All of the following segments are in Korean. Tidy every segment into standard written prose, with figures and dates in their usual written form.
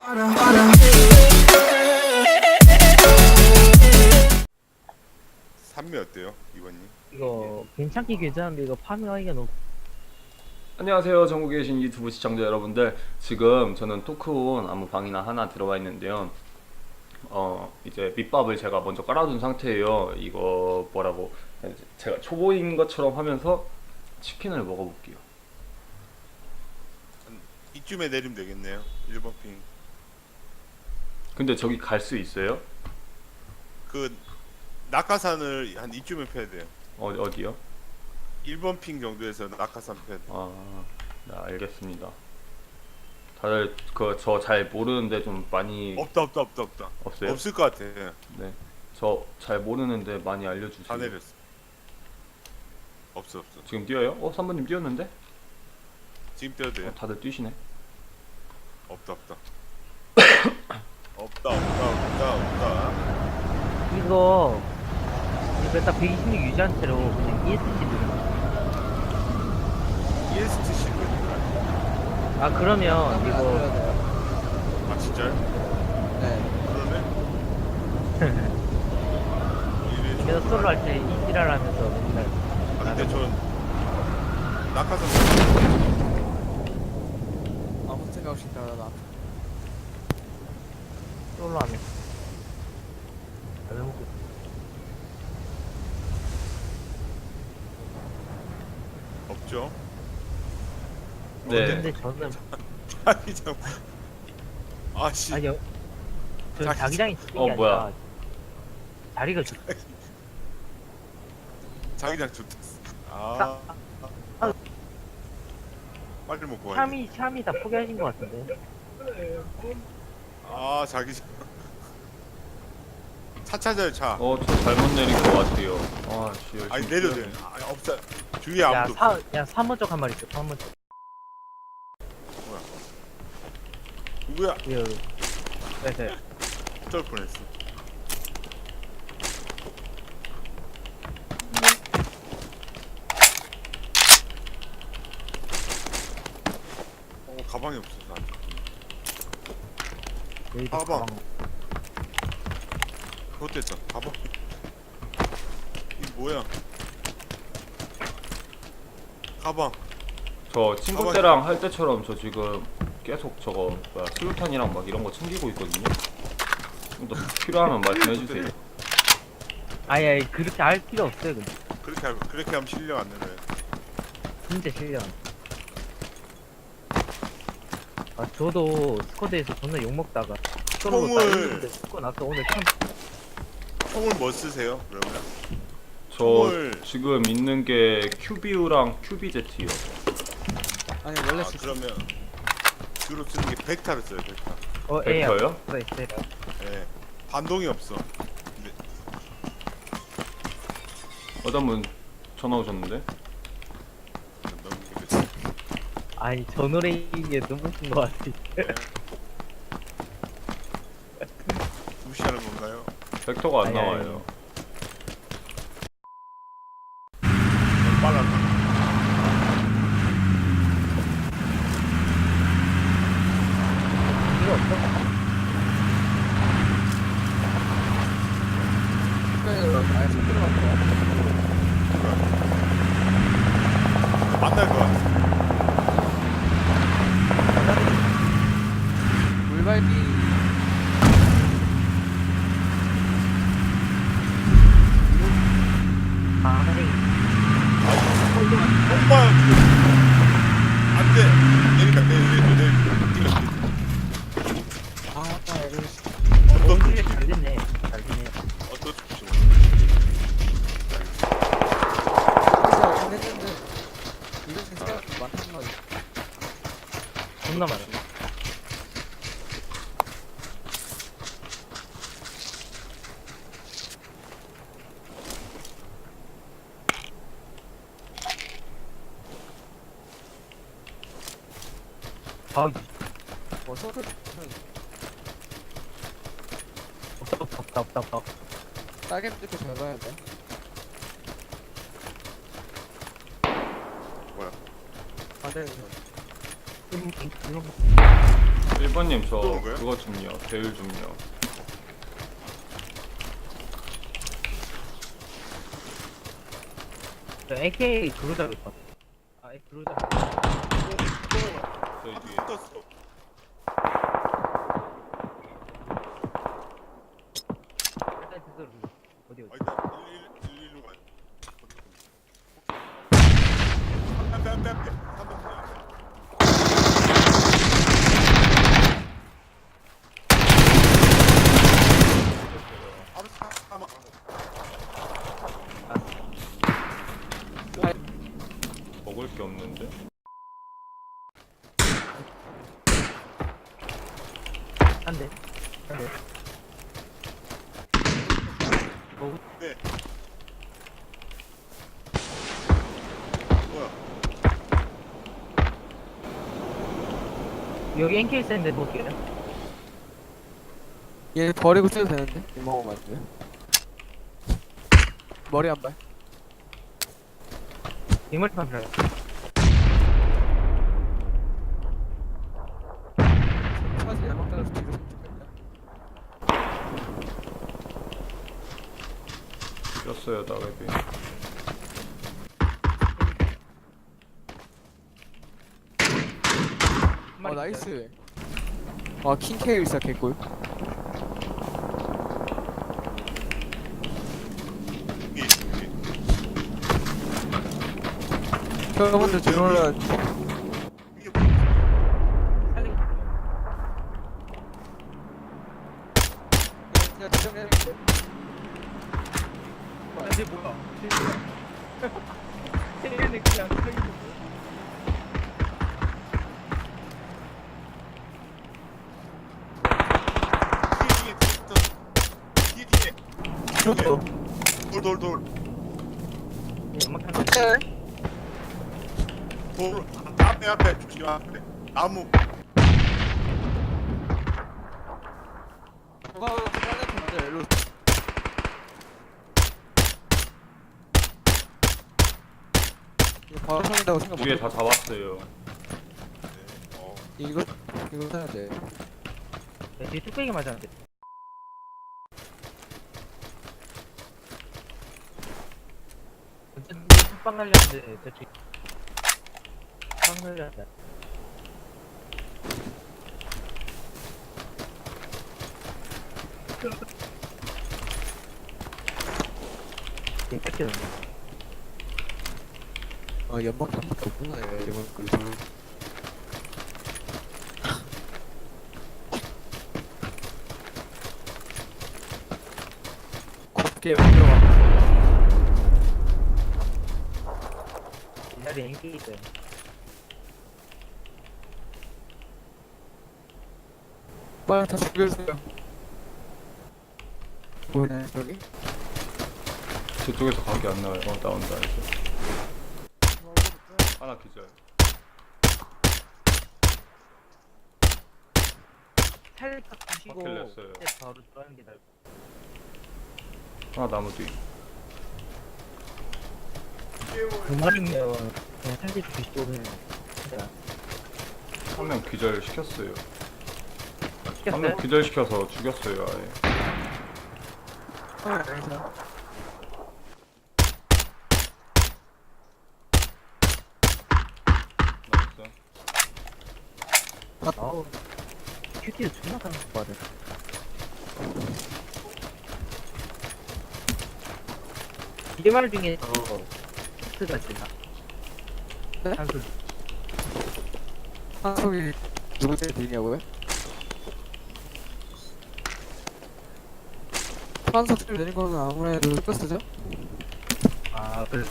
산미 어때요, 이번님? 이거 괜찮긴 괜찮은데 이거 파밍하기가 너무. 안녕하세요. 전국에 계신 유튜브 시청자 여러분들, 지금 저는 토크온 아무 방이나 하나 들어와 있는데요. 이제 밑밥을 제가 먼저 깔아둔 상태예요. 이거 뭐라고 제가 초보인 것처럼 하면서 치킨을 먹어볼게요. 이쯤에 내리면 되겠네요. 1번 핑. 근데 저기 갈 수 있어요? 그 낙하산을 한 이쯤에 펴야 돼요. 어디요? 1번 핑 정도에서 낙하산 펴야 돼요. 아, 네, 알겠습니다. 다들 저 잘 모르는데 좀 많이 없다. 없어요? 없을 것 같아. 네, 저 잘 모르는데 많이 알려주세요. 다 내렸어. 없어. 지금 뛰어요? 3번님 뛰었는데? 지금 뛰어도 돼요. 다들 뛰시네. 없다. 이거 딱 126 유지한 채로 그냥 ESC 누르면. EST 실버. 아 그러면 이거 아 진짜요? 네. 그러네. 계속 솔로 할 때 이지랄 하면서 맨날 아 근데 전 낙하산 아무 생각 없이 따라다. 솔로 하면 안 해먹고. 없죠. 네. 근데 저는 자기장. 아씨. 아니요. 저 자기- 자기장이 찍힌 게 뭐야. 아니라 자리가 좋. 자기장 좋다. 빨리 먹고 와야 돼. 샴이 다 포기하신 것 같은데. 자기장. 차 찾아요 차. 저 잘못 내린 것 같아요. 씨, 열심히 아니 내려도 돼. 뛰어야지. 없어. 주위에 아무도 없어. 3번 쪽 한 마리 있어. 3번 쪽. 누구야? 여기. 네. 어쩔 뻔했어. 가방이 없어서 안 돼. 여기도 가방. 그것도 했어. 가방. 이게 뭐야? 가방. 저 친구 때랑 할 때처럼 저 지금 계속 저거 수류탄이랑 막 이런 거 챙기고 있거든요. 좀 더 필요하면 말씀해 주세요. 아니 그렇게 할 필요 없어요. 근데 그렇게 하면 실력 안 늘어요. 진짜 실력. 저도 스쿼드에서 존나 욕 먹다가 솔로 딱 총을- 이기는데 스쿼 나서 오늘 참. 총을 뭐 쓰세요? 그러면? 저 총을- 지금 있는 게 큐비우랑 큐비제트요. 아니 원래 그러면 주로 쓰는 게 벡타를 써요. 벡타. 벡터요? 네. 예. 반동이 없어. 어떤 분 전화 오셨는데? 너무 그렇지. 아니 저 노래 이게 너무 웃긴 것 같아. 무시하는 건가요? 벡터가 안 아니, 나와요. 너무 빨랐나? 이거 없어? 아예 속 들어간 만날 것 같아. 물갈비 선생님. 엄마 안 돼. 내리까 내리. 아 맞다 이거 어떤 연출이 잘 됐네. 잘 되네. 어떤 쪽 진짜 안 했는데 이거 생각보다 많단 말이야. 존나 많아. 뭐 소스 없다. 딸기 뜯고 잘 봐야 돼. 뭐야? 아 네. 이거 1번님 저 또 먹어요? 그거 좀요. 배율 좀요. 저 AK 그루자로 있어. 아, 그루자. 저희 뒤에. 떴어. 일단 스스로 어디 어디. 일단 111로 가요. 앞에. 3번. 알았어. 한번. 먹을 게 없는데. 한 대. 한 대. 네. 뭐야? 여기 NK 있는데 볼게요. 얘 버리고 뛰어도 되는데? 이 먹으면 안 돼요? 머리 한 발. 빅멀티만 필요해. 사실 야막 따라서 뒤로 꼈어요 나웹이. 나이스. 아 킹케일 진짜 개꿀. 이게 여러분들 들어올라. 이게 뭐야? 그냥 지정해야겠다. 근데 뭐야? 쟤는 그냥 서 있는 뒤에. 저도. 돌. 연막탄. 돌. 앞에 조심 앞에. 나무. 일로. 이거 바로 살린다고 생각 못 위에 해. 다 잡았어요. 이거 사야 돼. 뒤에 뚝배기 맞았는데. 빵 날렸는데 저쪽. 빵 날렸다. 이 뺏겼네. 연막 한 밖에 없구나 이번 거. 곱게 만들어봐. 이 자리에 인기 있어요. 빨리 다 죽여주세요. 뭐네 저기? 저쪽에서 각이 안 나와요. 나온다 이제. 하나 기절. 살짝 부시고 확킬 냈어요. 그때 바로 들어가는 게 나을 하나 나무 뒤. 두 마리면 그냥 살짝 부시고 그냥 진짜 한 명 기절 시켰어요. 한 명 시켰어요? 기절 시켜서 죽였어요 아예. 알겠어. 나이스. 아우 큐티를 존나 가는 거 봐야 돼. 이말 중에서 스가 있나? 네? 한술 한석이 누구 제일 들리냐고요? 한석 제일 되는 거는 아무래도 스커스죠? 아 그래.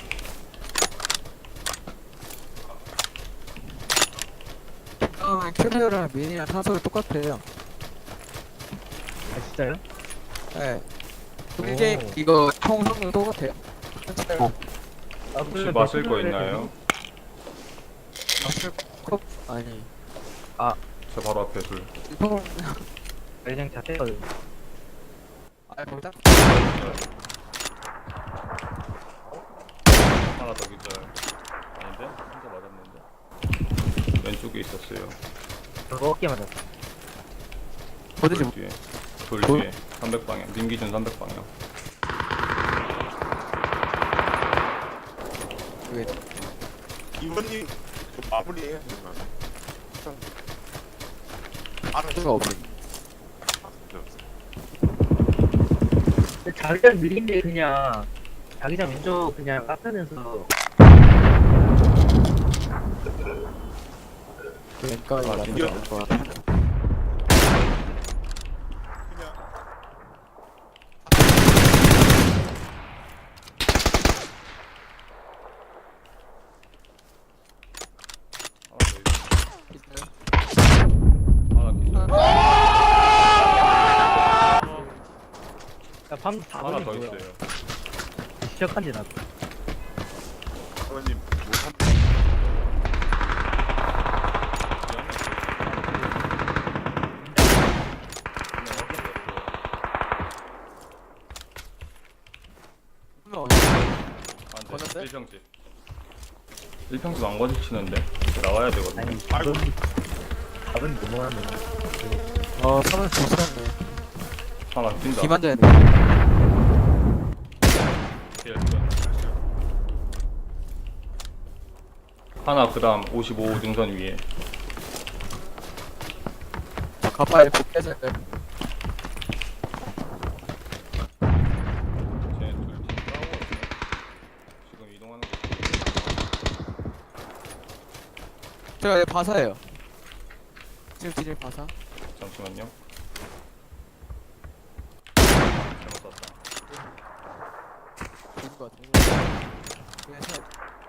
캐리어랑 미니랑 한석이 똑같아요. 아 진짜요? 네. 오. 이게 이거 총 성능 똑같아요. 아, 혹시 마실 거 있나요? 마실 컵 아니. 저 바로 앞에 둘. 이거 그냥 자체거든. 아 거기다. 하나 더 기절. 아닌데? 혼자 맞았는데. 왼쪽에 있었어요. 그거 어깨 맞았어. 어디지? 돌 뒤에. 돌 돌? 뒤에. 300방향. 님 기준 300방향. 왜? 이번님 마무리해야 되나? 알아. 수가 없네. 근데 자기장 밀린데 그냥 자기장 왼쪽 그냥 깎으면서 왼까지 아, 나쁘지 이겨. 않을 거야. 그냥 야, 방금 하나 4번이 더 뭐야? 있어요. 시작한 지 나도. 이번님 못한. 분명 아, 1평집. 1평집 안 거짓치는데 나와야 되거든. 아니, 아이고. 4번이 넘어가면 사람 좋았네. 하나 뛴다. 김한자야. 뒤에 있어. 하나 그다음 55 능선 위에. 가파에 복귀해서 쟤 둘팀 싸우고 있어. 지금 이동하는 거. 제가 얘 바사예요. 지금 디젤 바사. 잠시만요. 잘못 쐈다. 좋은 것 같아. 그래서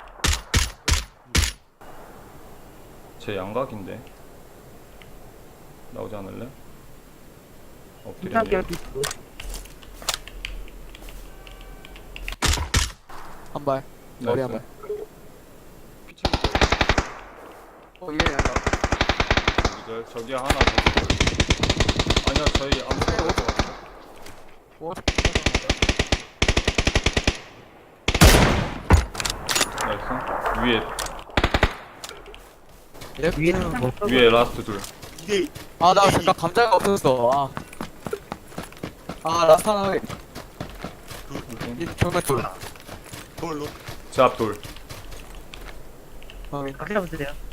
제 양각인데 나오지 않을래? 엎드려. 심상기할 한 발. 머리 한 발. 피치고 이게 약간 있어. 저기 하나 더. 아니야 저희 아무것도 못 같아. 뭐? 나이스. 위에 이렇게는 뭐? 위에 라스트 둘. 이게 나 잠깐 감자가 없었어. 라스트 하나 해. 이 정말 둘. 그걸로 제 앞 돌. 확인. 각자 보세요.